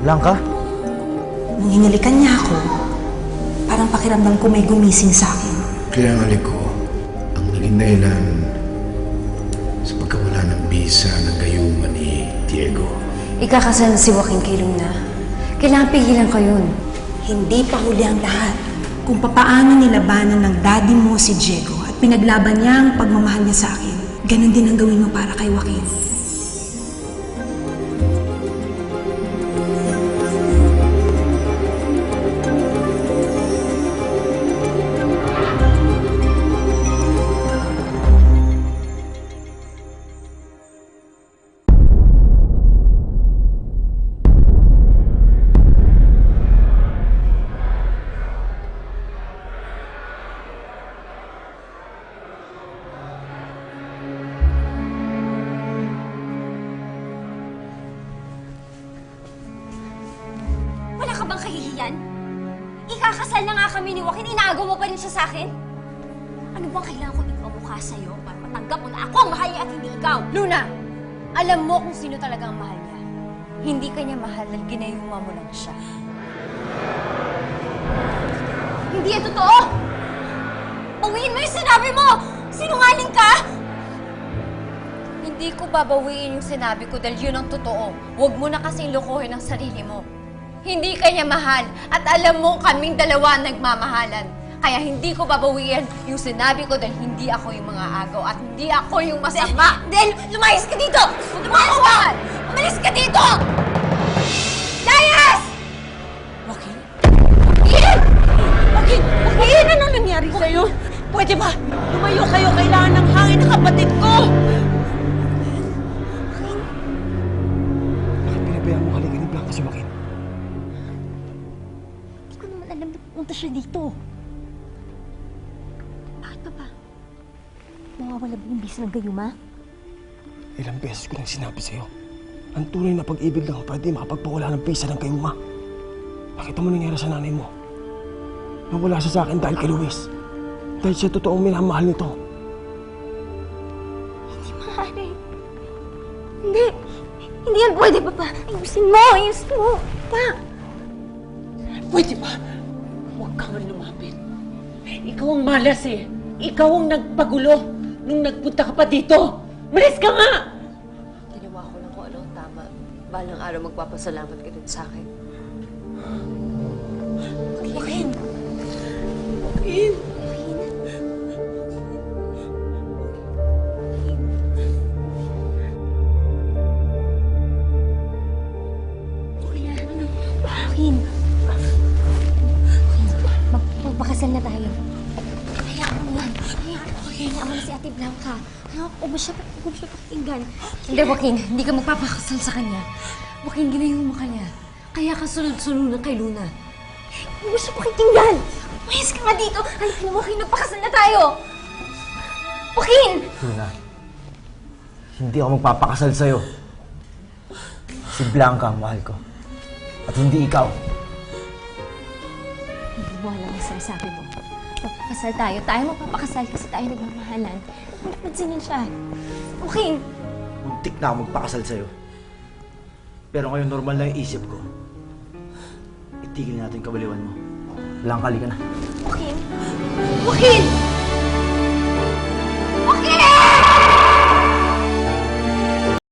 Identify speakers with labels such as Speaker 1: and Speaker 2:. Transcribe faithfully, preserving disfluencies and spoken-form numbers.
Speaker 1: Blanca?
Speaker 2: Nung hinalikan niya ako, parang pakiramdam ko may gumising sa akin.
Speaker 3: Kaya ang halik ko, ang naging dahilan sa pagkawala ng bisa ng gayuma ni Diego.
Speaker 4: Ikakasal na si Joaquin kay Luna. Kailangan pigilan ko yun.
Speaker 2: Hindi pa huli ang lahat. Kung papaano nilabanan ng daddy mo si Diego at pinaglaban niya ang pagmamahal niya sa akin, ganun din ang gawin mo para kay Joaquin.
Speaker 5: Wala ka bang kahihiyan? Ikakasal na nga kami ni Joaquin, inaagaw mo pa rin siya sa akin? Ano bang kailangan ko ipamukha sa'yo para matanggap mo na ako ang mahal niya at hindi ikaw?
Speaker 4: Luna! Alam mo kung sino talaga ang mahal niya. Hindi ka niya mahal dahil ginayuma mo lang siya.
Speaker 5: Hindi yan totoo! Bawiin mo yung sinabi mo! Sinungaling ka!
Speaker 4: Hindi ko babawiin yung sinabi ko dahil yun ang totoo. Huwag mo na kasing lokohin ang sarili mo. Hindi ka niya mahal at alam mo kaming dalawa nagmamahalan. Kaya hindi ko babawiin yung sinabi ko dahil hindi ako yung mga agaw at hindi ako yung masama.
Speaker 5: Del, lumayas ka dito! Lumayas ka! Umalis ka dito! Layas!
Speaker 6: Joaquin?
Speaker 5: Ian!
Speaker 6: Joaquin! Joaquin! Ano nangyari sa'yo? Pwede ba? Lumayo kayo. Kailangan ng hangin ng kapatid ko!
Speaker 1: Bakit pinabayaan mo halikan ni Blanca si Joaquin?
Speaker 5: Hindi ko naman alam na pupunta siya dito. Bakit pa ba? Mawawala ba yung bisa ng gayuma?
Speaker 1: Ilang beses ko nang sinabi sa'yo. Ang tunay na pag-ibig lang pwede makapagpawala ng bisa ng kayuma. Nakita mo nangyari sa nanay mo. Nawala siya sa akin dahil kay Luis. Dahil siya totoong minamahal nito.
Speaker 5: Hindi maaari. Hindi. Hindi yan pwede, Papa. Ayusin mo, ayusin mo. Pa.
Speaker 6: Pwede ba? Huwag kang lumapit. Ikaw ang malas eh. Ikaw ang nagpagulo nung nagpunta ka pa dito. Malis ka nga!
Speaker 4: Ginawa ko lang kung ano ang tama. Balang araw magpapasalamat ka din sa akin.
Speaker 5: Joaquin.
Speaker 6: Joaquin!
Speaker 5: Joaquin. Mag magpakasal na tayo. Hayaan mo yan. Hayaan mo. Hayaan mo na si Ate Blanca. Hayaan mo ba siya, huwag mo siya pakinggan.
Speaker 4: Hindi, Joaquin. Hindi ka magpapakasal sa kanya. Joaquin, ginayuma ka niya. Kaya ka sunod-sunod kay Luna.
Speaker 5: Huwag mo siya pakinggan. Mayas ka nga dito. Halika na, Joaquin. Magpakasal na tayo. Joaquin!
Speaker 1: Luna, hindi ako magpapakasal sa'yo. Si Blanca ang mahal ko. At hindi ikaw.
Speaker 5: Hindi mo alam ang sinasabi mo. Magpapakasal tayo. Tayo magpapakasal kasi tayo nagmamahalan. Hindi pansinin siya. Joaquin!
Speaker 1: Muntik na ako magpakasal sa'yo. Pero ngayon normal na yung isip ko. Itigil natin yung kabaliwan mo. Blanca, halika na.
Speaker 5: Joaquin! Joaquin!